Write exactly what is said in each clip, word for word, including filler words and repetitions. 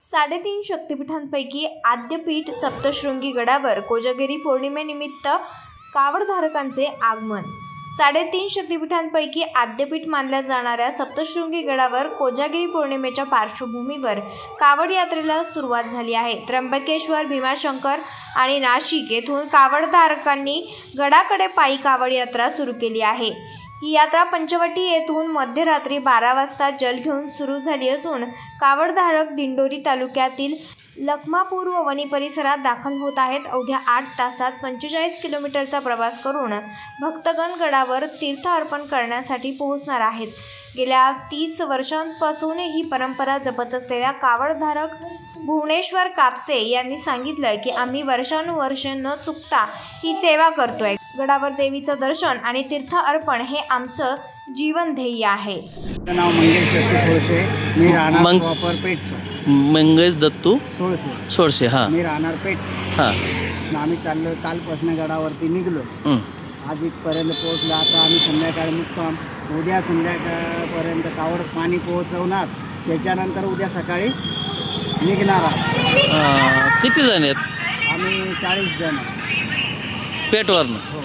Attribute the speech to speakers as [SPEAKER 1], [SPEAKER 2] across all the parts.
[SPEAKER 1] साडेतीन शक्तिपीठांपैकी आद्यपीठ सप्तशृंगी गडावर कोजागिरी पौर्णिमेनिमित्त कावडधारकांचे आगमन। साडेतीन शक्तिपीठांपैकी आद्यपीठ मानल्या जाणाऱ्या सप्तशृंगी गडावर कोजागिरी पौर्णिमेच्या पार्श्वभूमीवर कावड यात्रेला सुरुवात झाली आहे। त्र्यंबकेश्वर, भीमाशंकर आणि नाशिक येथून कावडधारकांनी गडाकडे पायी कावड यात्रा सुरू केली आहे। ही यात्रा पंचवटी येथून मध्यरात्री बारा वाजता जल घेऊन सुरू झाली असून कावडधारक दिंडोरी तालुक्यातील लखमापूर व वणी परिसरात दाखल होत आहेत। अवघ्या आठ तासात पंचेचाळीस किलोमीटरचा प्रवास करून भक्तगण गडावर तीर्थ अर्पण करण्यासाठी पोहोचणार आहेत। गेल्या तीस वर्षांपासून ही परंपरा जपत असलेल्या कावडधारक भुवनेश्वर कापसे यांनी सांगितलं की आम्ही वर्षानुवर्षे न चुकता ही सेवा करतोय। गडावर देवीचं दर्शन आणि तीर्थ अर्पण हे आमचं जीवन ध्येय आहे।
[SPEAKER 2] नाव मंगेश दत्तू सोळसे, मी राहणार प्रॉपर पेठ।
[SPEAKER 3] मंगेश दत्तू
[SPEAKER 2] सोळसे
[SPEAKER 3] सोळसे हा
[SPEAKER 2] मी राहणार पेठ।
[SPEAKER 3] हा
[SPEAKER 2] आम्ही चाललो, कालपासून गडावरती निघलो, आज इथपर्यंत पोहोचलो। आता आम्ही संध्याकाळी मुक्काम, उद्या संध्याकाळपर्यंत कावड पाणी पोहोचवणार, त्याच्यानंतर उद्या सकाळी निघणार आहोत।
[SPEAKER 3] किती जण आहेत?
[SPEAKER 2] आम्ही चाळीस जण
[SPEAKER 3] पेठवरनं।
[SPEAKER 2] हो।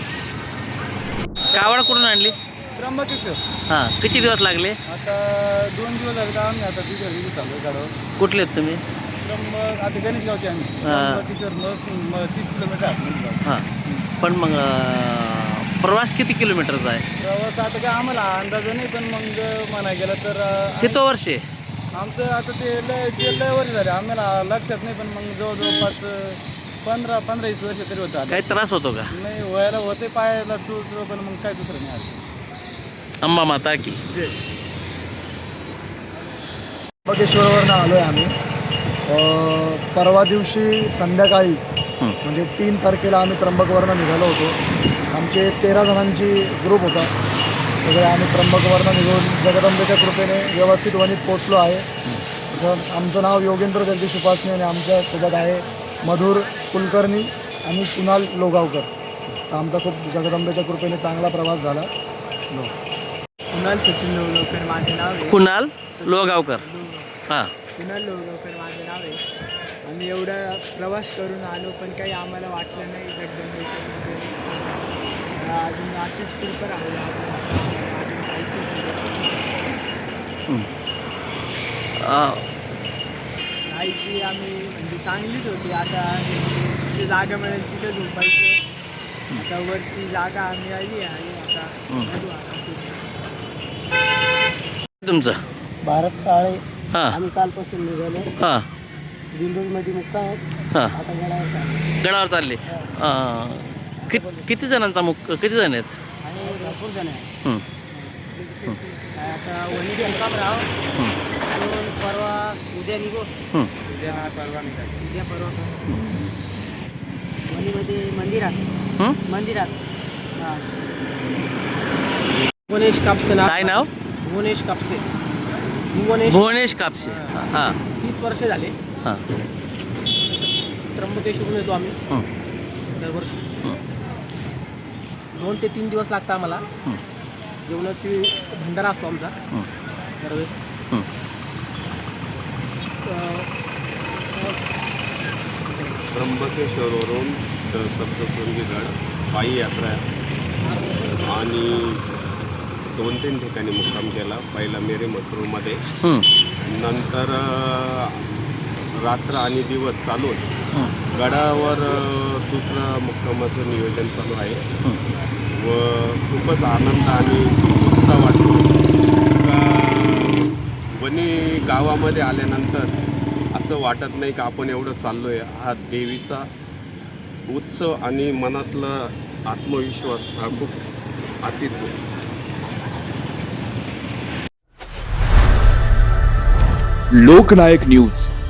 [SPEAKER 3] कावड कुठून आणली?
[SPEAKER 2] त्र्यंबकेश्वर।
[SPEAKER 3] हां, किती दिवस लागले?
[SPEAKER 2] आता दोन दिवस झाले आम्ही आता तिथे रिलीज चाललो गडावर।
[SPEAKER 3] कुठले आहेत तुम्ही?
[SPEAKER 2] त्र्यंबक आता गणेशगावचे आम्ही। त्र्यंबकेश्वर मग तीस किलोमीटर आहे।
[SPEAKER 3] हां, पण मग प्रवास किती किलोमीटरचा आहे?
[SPEAKER 2] प्रवास आता काय आम्हाला अंदाज नाही, पण मग म्हणाय गेलं तर
[SPEAKER 3] किती वर्षे
[SPEAKER 2] आमचं आता ते लय ते लय वर्ष झाले, आम्हाला लक्षात नाही, पण मग जवळजवळ पाच पंधरा पंधरा वीस वर्ष तरी होतं।
[SPEAKER 3] काही त्रास होतो का?
[SPEAKER 2] नाही, व्हायला होते, पायाला चूळ चूळ, पण मग काय दुसरं नाही असं।
[SPEAKER 3] अंबा माता की
[SPEAKER 4] त्र्यंबकेश्वरवरून आलो आहे आम्ही। परवा दिवशी संध्याकाळी म्हणजे तीन तारखेला आम्ही त्र्यंबकवरून निघालो होतो। आमचे तेरा जणांची ग्रुप होता। सगळे आम्ही त्र्यंबकवरून निघून जगदंबेच्या कृपेने व्यवस्थित वणीत पोचलो आहे। आमचं नाव योगेंद्र जगदीश उपासने आणि आमच्या सोबत आहे मधुर कुलकर्णी आणि कुणाल लोगावकर। तर आमचा खूप जगदंबेच्या कृपेने चांगला प्रवास झाला।
[SPEAKER 2] कुणाल सचिन लोगावकर माझे नाव आहे।
[SPEAKER 3] कुणाल लोगावकर हां
[SPEAKER 2] कुणाल लोगावकर माझे नाव आहे। आम्ही एवढा प्रवास करून आलो, पण काही आम्हाला वाटलं नाही जगदंबेच्या कृपेने अजून अशीच कृपा राहू अजून काहीच आईची आम्ही म्हणजे चांगलीच होती। आता जिथे जागा मिळेल तिथे झोपायचं। आता वरती जागा आम्ही आली आहे। आता
[SPEAKER 3] तुमचं
[SPEAKER 4] भारत साळे।
[SPEAKER 3] हां
[SPEAKER 4] आम्ही कालपासून निघालो।
[SPEAKER 3] हां
[SPEAKER 4] दिंडोरीमध्ये मुक्काम आहे।
[SPEAKER 3] हां
[SPEAKER 4] आता गडावर चाललो।
[SPEAKER 3] गडावर चालले। किती किती जणांचा मुक किती जण आहेत?
[SPEAKER 4] आणि भरपूर जण आहे।
[SPEAKER 3] हं,
[SPEAKER 4] आता वणी मुक्काम राहू, दोन परवा उद्या निघू।
[SPEAKER 3] हं.
[SPEAKER 2] उद्या परवा निघाली
[SPEAKER 4] उद्या परवा वणीमध्ये मंदिरात
[SPEAKER 3] हं?
[SPEAKER 4] मंदिरात हां। भुवनेश कापसे
[SPEAKER 3] काय नाव?
[SPEAKER 4] भुवनेश कापसे भुवनेश
[SPEAKER 3] भुवनेश कापसे हां
[SPEAKER 4] तीस वर्षे झाले।
[SPEAKER 3] हां
[SPEAKER 4] त्र्यंबकेश्वरून येतो आम्ही
[SPEAKER 3] हं,
[SPEAKER 4] दरवर्षी।
[SPEAKER 3] हं,
[SPEAKER 4] दोन ते तीन दिवस लागतात आम्हाला।
[SPEAKER 3] हं,
[SPEAKER 4] जेवणाची भंडारा असतो आमचा
[SPEAKER 3] हं,
[SPEAKER 4] दरवेळेस।
[SPEAKER 3] हं.
[SPEAKER 5] त्र्यंबकेश्वरवरून सप्तशृंगी गड पायी यात्रा आहे आणि दोन तीन ठिकाणी मुक्काम केला। पहिला मेरे मसरूमध्ये,
[SPEAKER 3] हं,
[SPEAKER 5] नंतर रात्र आणि दिवस चालून
[SPEAKER 3] हं,
[SPEAKER 5] गडावर दुसरं मुक्कामाचं नियोजन चालू आहे
[SPEAKER 3] हं.
[SPEAKER 5] व खूपच आनंद आणि उत्साह वाटतो का वणी गावामध्ये आल्यानंतर असं वाटत नाही का आपण एवढं चाललो आहे। हा देवीचा उत्सव आणि मनातला आत्मविश्वास हा खूप अतित
[SPEAKER 6] लोकनायक न्यूज।